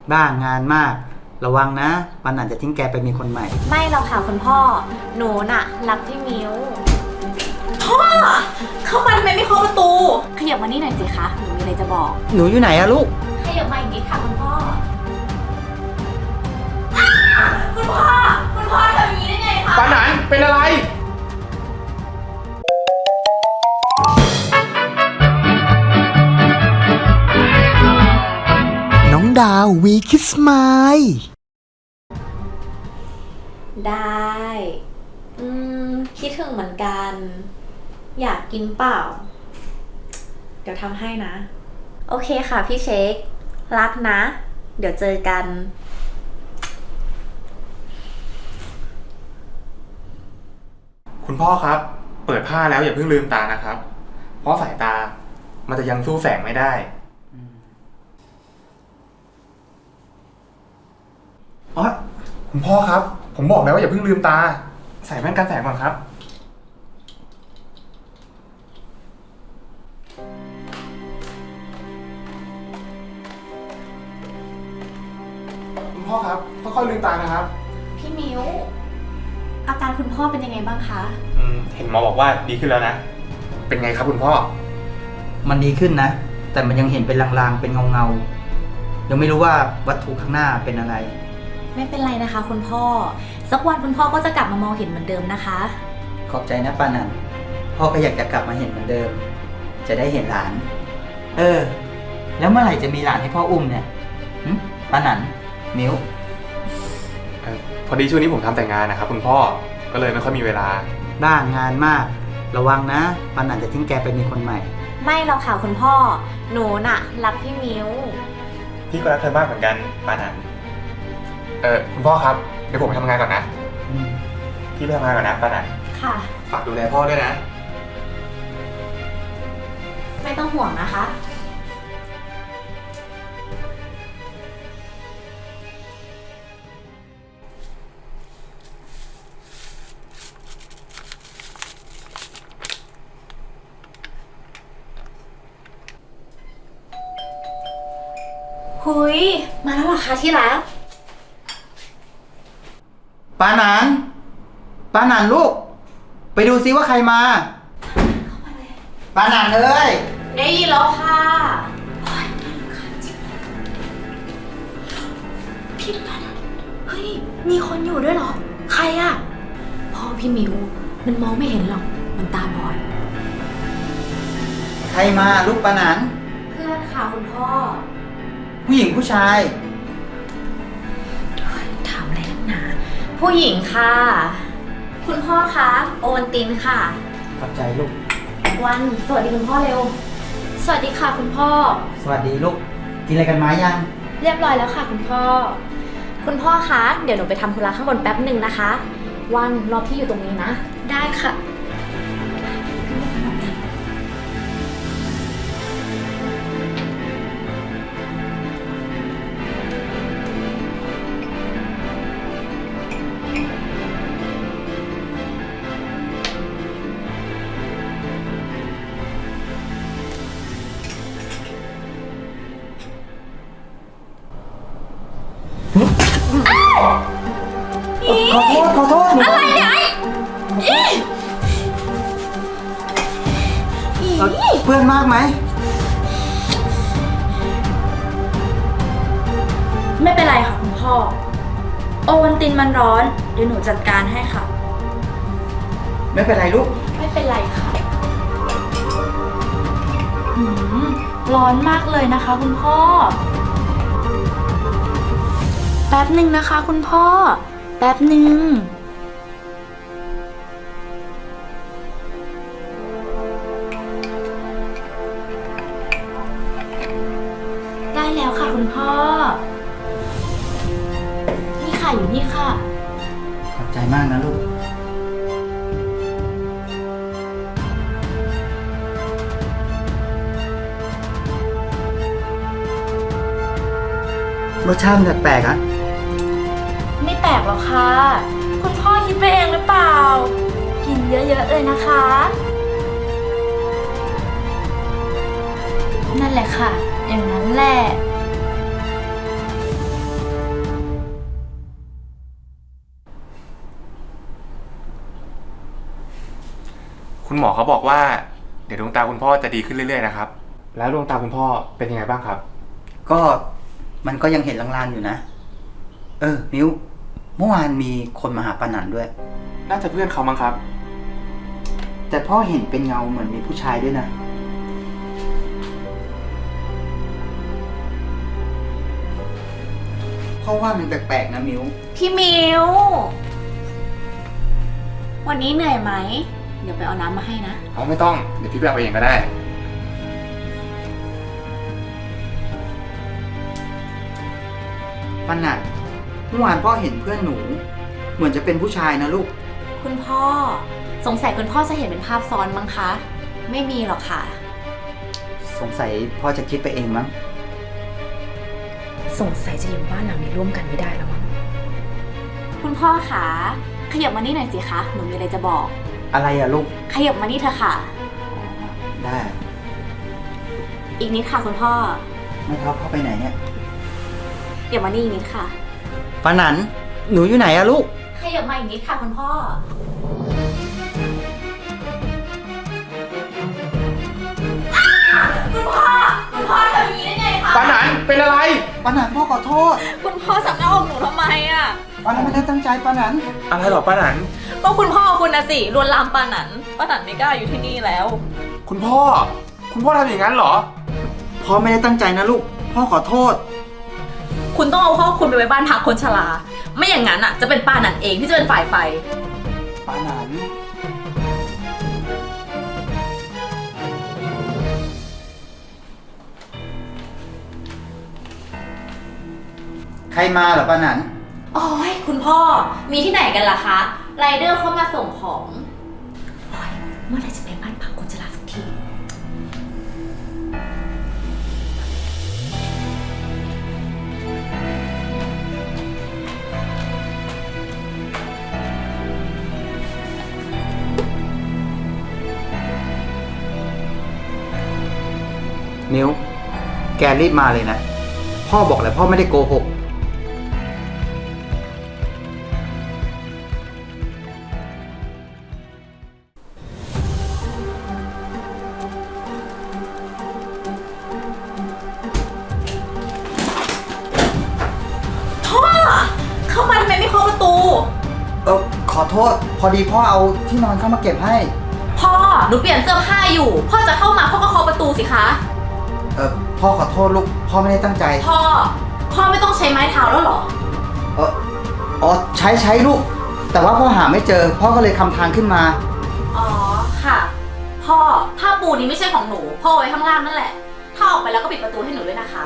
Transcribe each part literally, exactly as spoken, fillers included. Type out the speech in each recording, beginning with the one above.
บ้างานมากระวังนะปันอาจจะทิ้งแกไปมีคนใหม่ไม่หรอกค่ะคุณพ่อหนูน่ะรักพี่มิวพ่อเข้ามาทำไมไม่เคาะประตูขยับมานี่หน่อยสิคะหนูมีอะไรจะบอกหนูอยู่ไหนอะลูกขยับมาอีกนิดค่ะคุณพ่อคุณพ่อคุณพ่อทำอย่างนี้ได้ไงคะปานันเป็นอะไรน้องดาววีคิสไมล์ได้อืมคิดถึงเหมือนกัน อยากกินเปล่า เดี๋ยวทำให้นะ โอเคค่ะพี่เช็ครักนะ เดี๋ยวเจอกันคุณพ่อครับเปิดผ้าแล้วอย่าเพิ่งลืมตานะครับ เพราะสายตามันจะยังสู้แสงไม่ได้อ๋อคุณพ่อครับผมบอกแล้วว่าอย่าเพิ่งลืมตาใส่แว่นกันแสงก่อนครับคุณพ่อครับค่อยๆลืมตานะครับพี่มิวอาการคุณพ่อเป็นยังไงบ้างคะอืมเห็นหมอบอกว่าดีขึ้นแล้วนะเป็นไงครับคุณพ่อมันดีขึ้นนะแต่มันยังเห็นเป็นลางๆเป็นเงาๆยังไม่รู้ว่าวัตถุข้างหน้าเป็นอะไรไม่เป็นไรนะคะคุณพ่อสักวันคุณพ่อก็จะกลับมามองเห็นเหมือนเดิมนะคะขอบใจนะปานันพ่อก็อยากจะกลับมาเห็นเหมือนเดิมจะได้เห็นหลานเออแล้วเมื่อไหร่จะมีหลานให้พ่ออุ้มเนี่ยปานันมิวพอดีช่วงนี้ผมทำแต่งงานนะครับคุณพ่อก็เลยไม่ค่อยมีเวลาบ้างงานมากระวังนะปานันจะทิ้งแกไปมีคนใหม่ไม่หรอกค่ะคุณพ่อหนูน่ะรักพี่มิวพี่ก็รักเธอมากเหมือนกันปานันเออคุณพ่อครับเดี๋ยวผมไปทำงานก่อนนะพี่ไปทำงานก่อนนะปานันค่ะฝากดูแลพ่อด้วยนะไม่ต้องห่วงนะคะหุยมาแล้วเหรอคะที่รักปานันปานันลูกไปดูซิว่าใครมาปานันเอ้ยได้ยินแล้วค่ะพี่ปานันเฮ้ยมีคนอยู่ด้วยเหรอใครอะพ่อพี่มิวมันมองไม่เห็นหรอกมันตาบอดใครมาลูกปานันเพื่อนค่ะคุณพ่อผู้หญิงผู้ชายถามอะไรนักหนาผู้หญิงค่ะคุณพ่อคะโอวัลตินค่ะขอบใจลูกวันสวัสดีคุณพ่อเร็วสวัสดีค่ะคุณพ่อสวัสดีลูกกินอะไรกันมายังเรียบร้อยแล้วค่ะคุณพ่อคุณพ่อคะเดี๋ยวหนูไปทำธุระข้างบนแป๊บหนึ่งนะคะวันรอพี่อยู่ตรงนี้นะได้ค่ะขอโทษขอโทษอะไรเนี่ยเพื่อนมากไหมไม่เป็นไรค่ะคุณพ่อโอวัลตินมันร้อนเดี๋ยวหนูจัดการให้ค่ะไม่เป็นไรลูกไม่เป็นไรค่ะร้อนมากเลยนะคะคุณพ่อแป๊บหนึ่งนะคะคุณพ่อแป๊บหนึ่งได้แล้วค่ะคุณพ่อนี่ค่ะอยู่นี่ค่ะขอบใจมากนะลูกรสชาติมันแปลกๆอ่ะไม่แปลกหรอกค่ะคุณพ่อคิดไปเองหรือเปล่ากินเยอะๆเลยนะคะนั่นแหละค่ะอย่างนั้นแหละคุณหมอเขาบอกว่าเดี๋ยวดวงตาคุณพ่อจะดีขึ้นเรื่อยๆนะครับ แล้วดวงตาคุณพ่อเป็นยังไงบ้างครับก็มันก็ยังเห็นลางๆอยู่นะ เออ มิวเมื่อวานมีคนมาหาปานันด้วยน่าจะเพื่อนเขามั้งครับแต่พ่อเห็นเป็นเงาเหมือนมีผู้ชายด้วยนะ พ่อว่ามันแปลกๆนะมิวพี่มิว วันนี้เหนื่อยไหม เดี๋ยวไปเอาน้ำมาให้นะเขาไม่ต้อง เดี๋ยวพี่ไปเอาเองก็ได้ปานันเมื่อวานพ่อเห็นเพื่อนหนู เหมือนจะเป็นผู้ชายนะลูกคุณพ่อ สงสัยคุณพ่อจะเห็นเป็นภาพซ้อนมั้งคะ ไม่มีหรอกค่ะสงสัยพ่อจะคิดไปเองมั้งสงสัยจะอยู่บ้านหลังนี้ร่วมกันไม่ได้แล้วมั้งคุณพ่อคะขยับมานี่หน่อยสิคะ หนูมีอะไรจะบอกอะไรอะลูกขยับมานี่เถอะค่ะได้อีกนิดค่ะคุณพ่อไม่ท็อปเข้าไปไหนเนี่ยเดี๋ยวมานี่อีกนิดค่ะปานันหนูอยู่ไหนอะลูกขยับมาอีกนิดค่ะคุณพ่อ คุณพ่อ คุณพ่อทำอย่างนี้ได้ไงคะปานันเป็นอะไรปานันพ่อขอโทษคุณพ่อสับหน้าอกหนูทำไมอ่ะปานันไม่ได้ตั้งใจปานันอะไรหรอปานันก็คุณพ่อคุณนะสิลวนลามปานันปานันไม่กล้าอยู่ที่นี่แล้วคุณพ่อ คุณพ่อทำอย่างนั้นเหรอพ่อไม่ได้ตั้งใจนะลูก พ่อขอโทษคุณต้องเอาพ่อคุณไปไว้บ้านพักคนชรา ไม่อย่างนั้นอ่ะจะเป็นปานันเองที่จะเป็นฝ่ายไปปานันใครมาเหรอปานันโอ้ยคุณพ่อ มีที่ไหนกันล่ะคะ ไรเดอร์เข้ามาส่งของโอ้ยเมื่อไหร่จะไปบ้านพักคนชราสักทีมิวแกรีบมาเลยนะ พ่อบอกแล้วพ่อไม่ได้โกหกพ่อ เข้ามาทำไมไม่เคาะประตูเออขอโทษ พอดีพ่อเอาที่นอนเข้ามาเก็บให้พ่อ หนูเปลี่ยนเสื้อผ้าอยู่ พ่อจะเข้ามาพ่อก็เคาะประตูสิคะเออพ่อขอโทษลูก พ่อไม่ได้ตั้งใจพ่อ พ่อไม่ต้องใช้ไม้เท้าแล้วเหรอเอออ๋อใช้ใช้ลูก แต่ว่าพ่อหาไม่เจอ พ่อก็เลยคำทางขึ้นมาอ๋อ ค่ะ พ่อ ผ้าปูนี้ไม่ใช่ของหนู พ่อเอาไว้ข้างล่างนั่นแหละ ถ้าออกไปแล้วก็ปิดประตูให้หนูด้วยนะคะ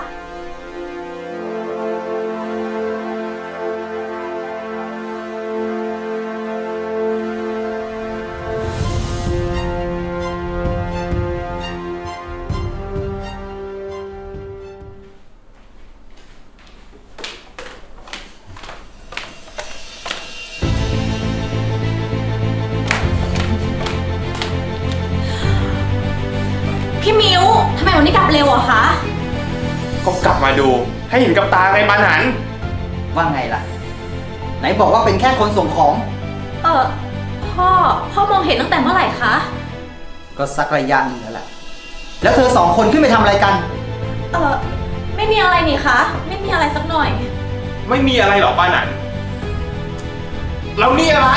พี่มิวทำไมวันนี้กลับเร็วอะคะก็กลับมาดู ให้เห็นกับตาไงปานันว่าไงล่ะ ไหนบอกว่าเป็นแค่คนส่งของเออพ่อ พ่อมองเห็นตั้งแต่เมื่อไหร่คะก็สักระยะหนึงแล้วแหละ แล้วเธอสองคนขึ้นไปทำอะไรกันเออไม่มีอะไรนี่คะ ไม่มีอะไรสักหน่อยไม่มีอะไรหรอปานันแล้วนี่อะไร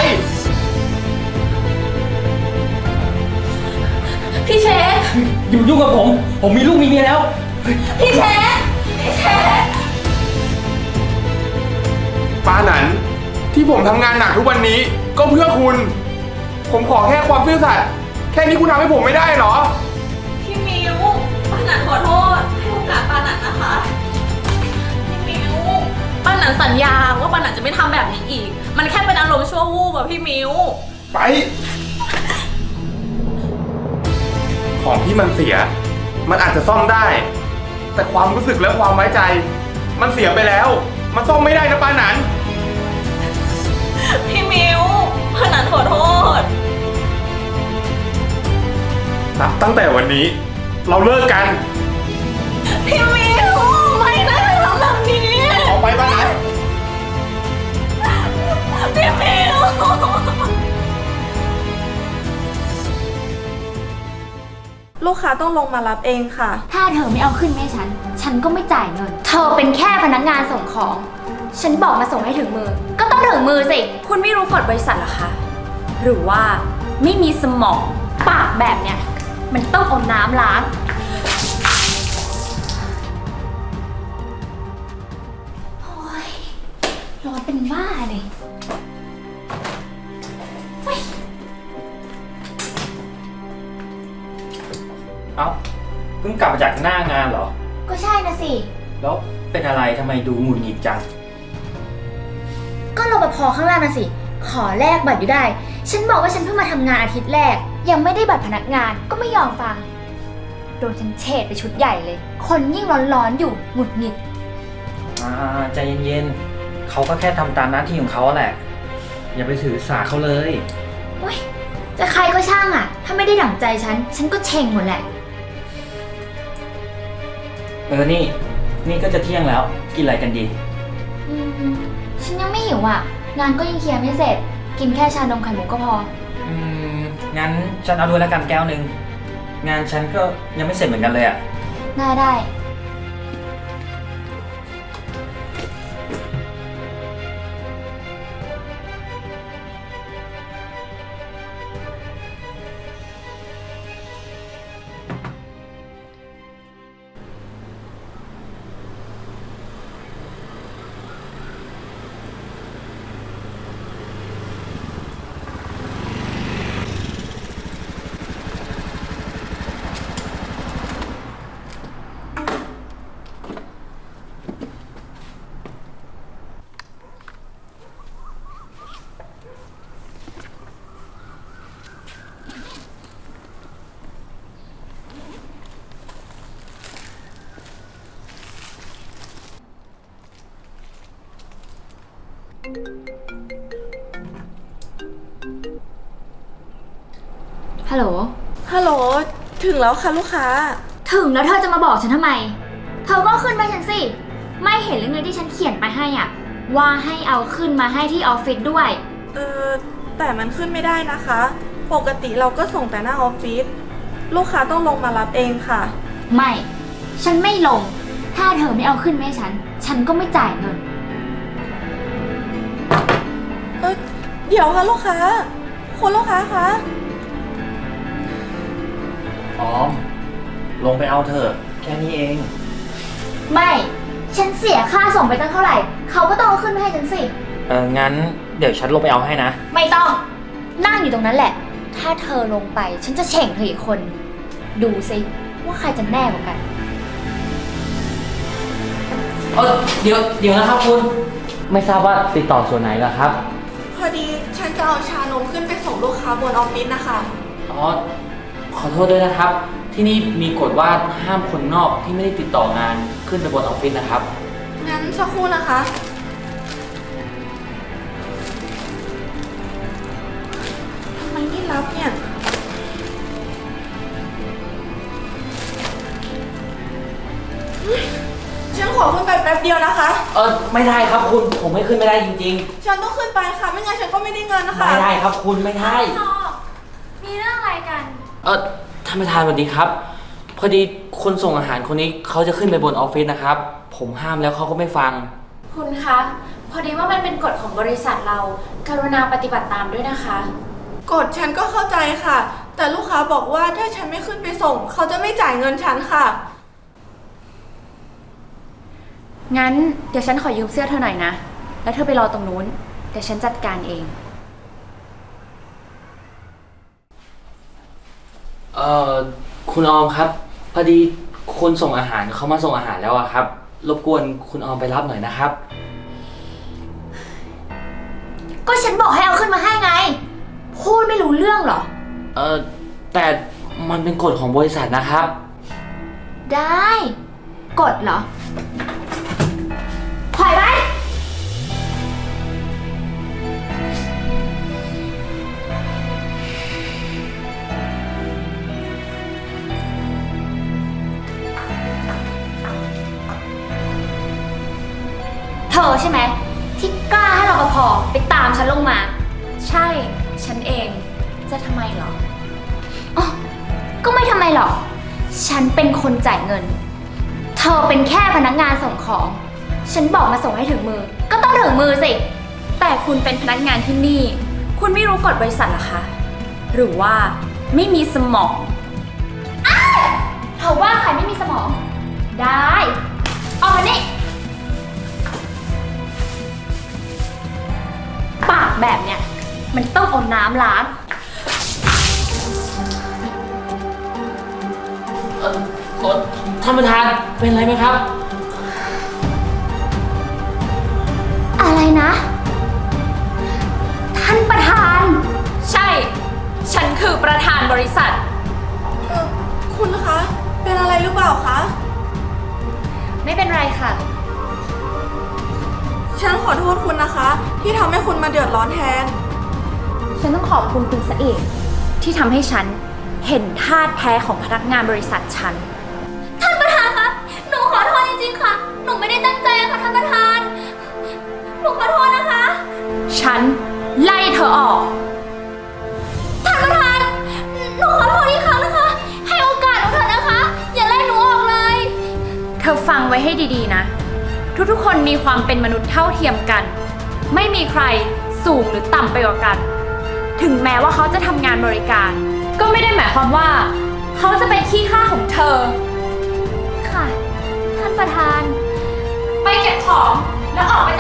พี่เชคอยู่ยุ่งกับผม ผมมีลูกมีเมียแล้วพี่เชคพี่เชคปานันที่ผมทำงานหนักทุกวันนี้ ก็เพื่อคุณ ผมขอแค่ความซื่อสัตย์แค่นี้คุณทำให้ผมไม่ได้เหรอพี่มิวปานันขอโทษ ให้โอกาสปานันนะคะ พี่มิวปานันสัญญาว่าปานันจะไม่ทำแบบนี้อีก มันแค่เป็นอารมณ์ชั่ววูบอะพี่มิวไป ของที่มันเสีย มันอาจจะซ่อมได้ แต่ความรู้สึกและความไว้ใจ มันเสียไปแล้ว มันซ่อมไม่ได้นะปานันพี่มิวปานันขอโทษนับตั้งแต่วันนี้ เราเลิกกันพี่มิวไม่นะทำแบบนี้ออกไปปานันพี่มิวลูกค้าต้องลงมารับเองค่ะถ้าเธอไม่เอาขึ้นแม่ฉัน ฉันก็ไม่จ่ายเงิน เธอเป็นแค่พนักงานส่งของ ฉันบอกมาส่งให้ถึงมือ ก็ต้องถึงมือสิคุณไม่รู้กฎบริษัทเหรอคะ หรือว่าไม่มีสมองปากแบบเนี้ยมันต้องเอาน้ำล้าง โอ้ยร้อนเป็นบ้าเลยเอ้า เพิ่งกลับมาจากหน้างานเหรอก็ใช่นะสิแล้วเป็นอะไรทำไมดูหงุดหงิดจังก็รปภข้างล่างนะสิ ขอแลกบัตรอยู่ได้ ฉันบอกว่าฉันเพิ่งมาทำงานอาทิตย์แรก ยังไม่ได้บัตรพนักงานก็ไม่ยอมฟัง โดนฉันเฉดไปชุดใหญ่เลย คนยิ่งร้อนๆอยู่หงุดหงิดอ่าใจเย็นๆ เขาก็แค่ทำตามหน้าที่ของเขาแหละ อย่าไปถือสาเขาเลยโอ๊ยจะใครก็ช่างอ่ะ ถ้าไม่ได้ดั่งใจฉัน ฉันก็เช็งหมดแหละเออ นี่ นี่ก็จะเที่ยงแล้ว กินอะไรกันดีอืม ฉันยังไม่หิวอ่ะ งานก็ยังเคลียร์ไม่เสร็จ กินแค่ชานมไข่มุกก็พออืม งั้นฉันเอาด้วยแล้วกันแก้วหนึ่ง งานฉันก็ยังไม่เสร็จเหมือนกันเลยอ่ะได้ได้ ฮัลโหลฮัลโหล ถึงแล้วค่ะลูกค้าถึงแล้วเธอจะมาบอกฉันทำไม เธอก็ขึ้นไปฉันสิ ไม่เห็นหรือไงที่ฉันเขียนไปให้อ่ะ ว่าให้เอาขึ้นมาให้ที่ออฟฟิศด้วยเออแต่มันขึ้นไม่ได้นะคะ ปกติเราก็ส่งแต่หน้าออฟฟิศ ลูกค้าต้องลงมารับเองค่ะไม่ ฉันไม่ลง ถ้าเธอไม่เอาขึ้นมาให้ฉัน ฉันก็ไม่จ่ายเงินเออเดี๋ยวค่ะลูกค้า คุณลูกค้าคะออม ลงไปเอาเถอะ แค่นี้เองไม่ ฉันเสียค่าส่งไปตั้งเท่าไหร่ เขาก็ต้องเอาขึ้นมาให้ฉันสิเออ งั้นเดี๋ยวฉันลงไปเอาให้นะไม่ต้อง นั่งอยู่ตรงนั้นแหละ ถ้าเธอลงไป ฉันจะเฉ่งเธออีกคน ดูสิว่าใครจะแน่กว่ากันเออเดี๋ยว เดี๋ยวนะครับคุณ ไม่ทราบว่าติดต่อส่วนไหนล่ะครับพอดีฉันจะเอาชานมขึ้นไปส่งลูกค้าบนออฟฟิศนะคะอ๋อ ขอโทษด้วยนะครับ ที่นี่มีกฎว่าห้ามคนนอกที่ไม่ได้ติดต่องานขึ้นไปบนออฟฟิศนะครับงั้นสักครู่นะคะทำไมไม่รับเนี่ย ฉันขอขึ้นไปแป๊บเดียวนะคะเออไม่ได้ครับคุณ ผมไม่ขึ้นไม่ได้จริงฉันต้องขึ้นไปค่ะ ไม่งั้นฉันก็ไม่ได้เงินนะๆคะไม่ได้ครับคุณไม่ได้มีเรื่องอะไรกันเออท่านประธานสวัสดีครับ พอดีคนส่งอาหารคนนี้เขาจะขึ้นไปบนออฟฟิศนะครับ ผมห้ามแล้วเขาก็ไม่ฟังคุณคะ พอดีว่ามันเป็นกฎของบริษัทเรา กรุณาปฏิบัติตามด้วยนะคะกดฉันก็เข้าใจค่ะ แต่ลูกค้าบอกว่าถ้าฉันไม่ขึ้นไปส่ง เขาจะไม่จ่ายเงินฉันค่ะงั้นเดี๋ยวฉันขอยืมเสื้อเธอหน่อยนะ แล้วเธอไปรอตรงนู้น เดี๋ยวฉันจัดการเองเอ่อคุณออมครับ พอดีคนส่งอาหารเขามาส่งอาหารแล้วอะครับ รบกวนคุณออมไปรับหน่อยนะครับก็ฉันบอกให้เอาขึ้นมาให้ไง พูดไม่รู้เรื่องเหรอเออแต่มันเป็นกฎของบริษัทนะครับได้ กดเหรอถอยไป เธอใช่ไหมที่กล้าให้รปภไปตามฉันลงมาใช่ ฉันเอง จะทำไมเหรออ๋อ ก็ไม่ทำไมหรอกฉันเป็นคนจ่ายเงิน เธอเป็นแค่พนักงานส่งของ ฉันบอกมาส่งให้ถึงมือ ก็ต้องถึงมือสิแต่คุณเป็นพนักงานที่นี่ คุณไม่รู้กฎบริษัทเหรอคะ หรือว่าไม่มีสมองเธอว่าใครไม่มีสมอง ได้เอามานี่ ปากแบบเนี้ย มันต้องเอาน้ำล้างเอ่อเอ่อท่านประธานเป็นอะไรไหมครับอะไรนะ ท่านประธานใช่ ฉันคือประธานบริษัทเออคุณคะ เป็นอะไรหรือเปล่าคะไม่เป็นไรค่ะฉันขอโทษคุณนะคะ ที่ทำให้คุณมาเดือดร้อนแทนฉันต้องขอบคุณคุณซะเองที่ทำให้ฉันเห็นท่าแท้ของพนักงานบริษัทฉันท่านประธานคะ หนูขอโทษจริงๆค่ะ หนูไม่ได้ตั้งใจค่ะท่านประธาน หนูขอโทษนะคะฉันไล่เธอออกท่านประธาน หนูขอโทษอีกครั้งนะคะ ให้โอกาสหนูเถอะนะคะ อย่าไล่หนูออกเลยเธอฟังไว้ให้ดีๆนะ ทุกๆคนมีความเป็นมนุษย์เท่าเทียมกัน ไม่มีใครสูงหรือต่ำไปกว่ากัน ถึงแม้ว่าเขาจะทำงานบริการ ก็ไม่ได้หมายความว่า เขาจะเป็นขี้ข้าของเธอค่ะ ท่านประธานไปเก็บของแล้วออกไป